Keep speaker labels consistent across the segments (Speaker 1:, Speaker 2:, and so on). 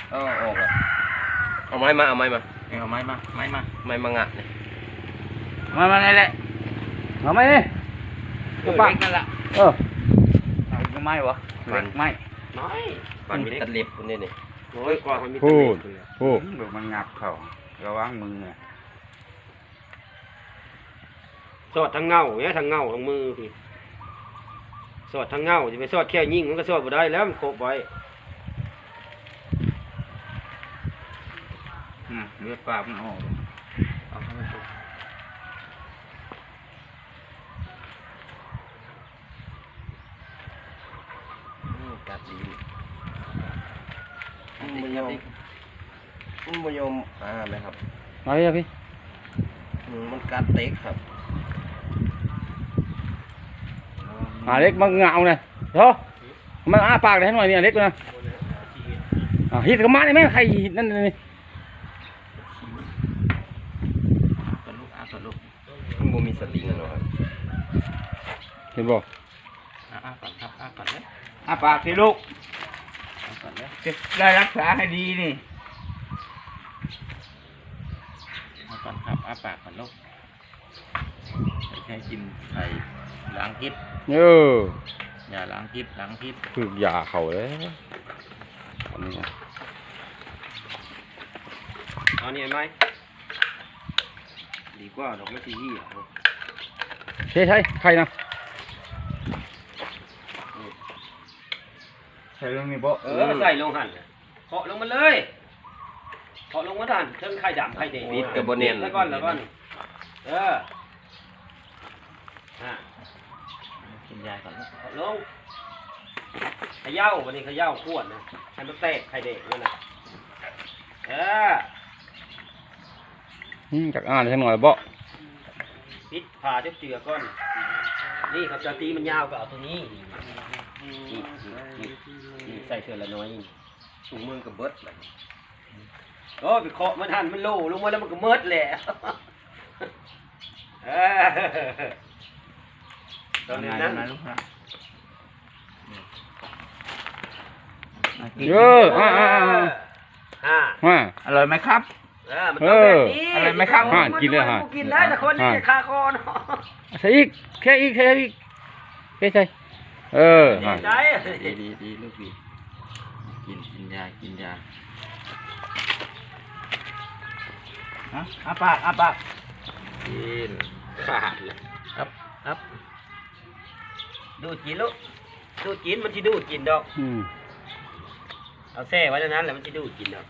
Speaker 1: ออกอ่ะเอาไม้มาเอาไม้มางัดเนี่ย
Speaker 2: มาไหนแหละเอาไม้นี่ก็ปักนั่นแหละเอาไม้วะเล็กไม้น้อย
Speaker 1: มันมีตะเล็บคนนี้นี่
Speaker 2: น้อยกว่ามันมีตะเล็บพูดมันงับเข่าระวังมือไงสอดทางเงาเนี่ยทางเงาทางมือพี่สอดทางเงาจะไปสอดแค่ยิงมันก็สอดบ่ได้แล้วมันโคบไว้เลือดปากมันออกเอาเข้าไป
Speaker 1: กัดดีมันไม่ยอมไหมครับ
Speaker 2: เอาเลยพี่
Speaker 1: มันกัดเต็กครับ
Speaker 2: เล็กมันเงาเนี่ยเนาะมันอ้าปากได้หน่อยเนี่ยเล็กนะฮิตกับมาได้ไหมใครฮิตนั่นนี่
Speaker 1: มันบ่มีสติงหรอก
Speaker 2: เห็นบ่ปากสิลูกได้รักษาให้ดีนี่ก่อนครับปากก่อนลูกใช้กินไข่ล้างพิษอย่าล้างพิษคือยาเขาเลยอันนี้นะเอานี่ไหมดีกว่าดอกไม้ที่ยี่ใช่ใครนะใส่ลงนี่บ่ใส่ลงหั่นเคาะลงมาเลยเคาะลงมาหั่นเครื่องไข่ดำไข่แดง
Speaker 1: นิดกับโบเนียน
Speaker 2: แล้วก่อนกินยาก่อนลงขย่าวันนี้ขย่าขวดนะให้มันแตกไข่แดงนั่นน่ะจากอ่านให้หน่อยบ่ปิดผ่าเจือก้อนนี่ครับจะตีมันยาวก็เอาตัวนี้นี่ใส่เชือกละน้อย
Speaker 1: ถุงมือกับเบิด
Speaker 2: โอ้ไปเคาะมันหันมันโล่ลงมาแล้วมันก็เมิดแหละตอนนี้นั่นอร่อยไหมครับอร่อยไหมครับกินเลยฮะกินได้แต่คนนี้คาคอเนาะใส่อีกแค่อีกใช่ดีลูกดีกินยาอาปาก
Speaker 1: กินขาดเลย
Speaker 2: ครับดูดกินลูกดูดกินมันจะดูดกินดอกเอาแช่ไว้นั้นแหละมันจะดูดกินดอก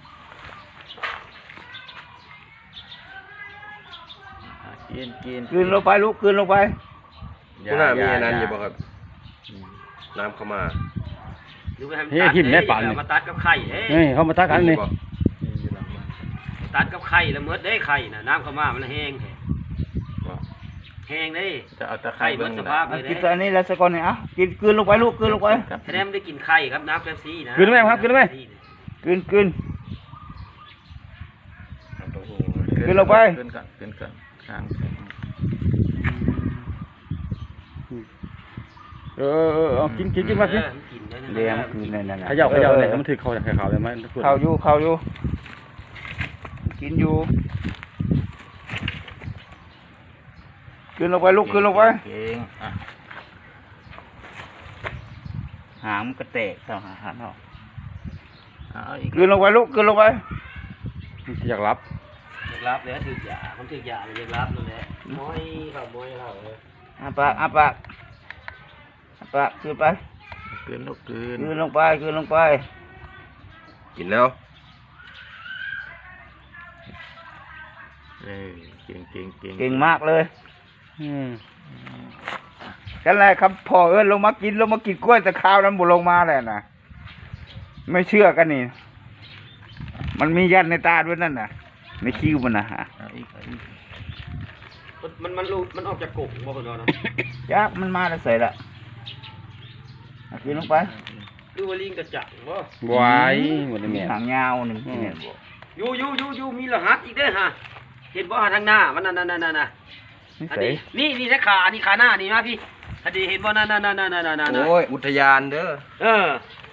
Speaker 2: กินลงไปลูกกินลงไป
Speaker 1: คุณน่ามีนั้นอยู่ป่ะครับน้ำเข้ามา
Speaker 2: เฮ้ยหิมแม่ปั่นมาตัดกับไข่เฮ้ยเขามาตัดกันนี่ตัดกับไข่แล้วเมื่อได้ไข่น่ะน้ำเข้ามามันแห้งได้จะเอาตะไคร้เบิ้งสภาพเลยกินตัวนี้แล้วสักก่อนเนี่ยกินลงไปลูกกินลงไปแสดงไม่ได้กินไข่ครับน้ำเป๊ปซี่นะกินไหมครับกินไหมกินลงไปกินก่อนกินมากินเลี้ยงคืนนั่นขย่าเลยมันถือเขาจากข่าวเลยไหมข่าวอยู่กินอยู่กินลงไปลูกกินลงไปหางมันกระเตะต่อหางเขากินลงไปลูกกินลงไปอยากรับเลยถือยามันถือยาเลยอยากรับนั่นแหละม้อยเขาเลยปากกินไปกินลงไป
Speaker 1: กินแล้ว
Speaker 2: เก่งมากเลยกันแหละครับพ่อลงมากินกล้วยแต่ข้าวนั้นบุลงมาแหละนะไม่เชื่อกันนี่มันมียันในตาด้วยนั่นน่ะในคิ้วมันนะฮะมันออกจากกลุ่มบ่คนเราเนาะยักมันมาแล้วใส่ละกินลงไปดูว่าลิงกระจังบ่
Speaker 1: ไว้หมดเลย
Speaker 2: หางยาวหนึ่งอยู่มีรหัสอีกด้วยฮะเห็นบ่ทางหน้ามันนั่นนี่นะขาหน้านี่มาพี่อดีเห็นบ่นั่น
Speaker 1: โอ้ยอุทยานเด้อ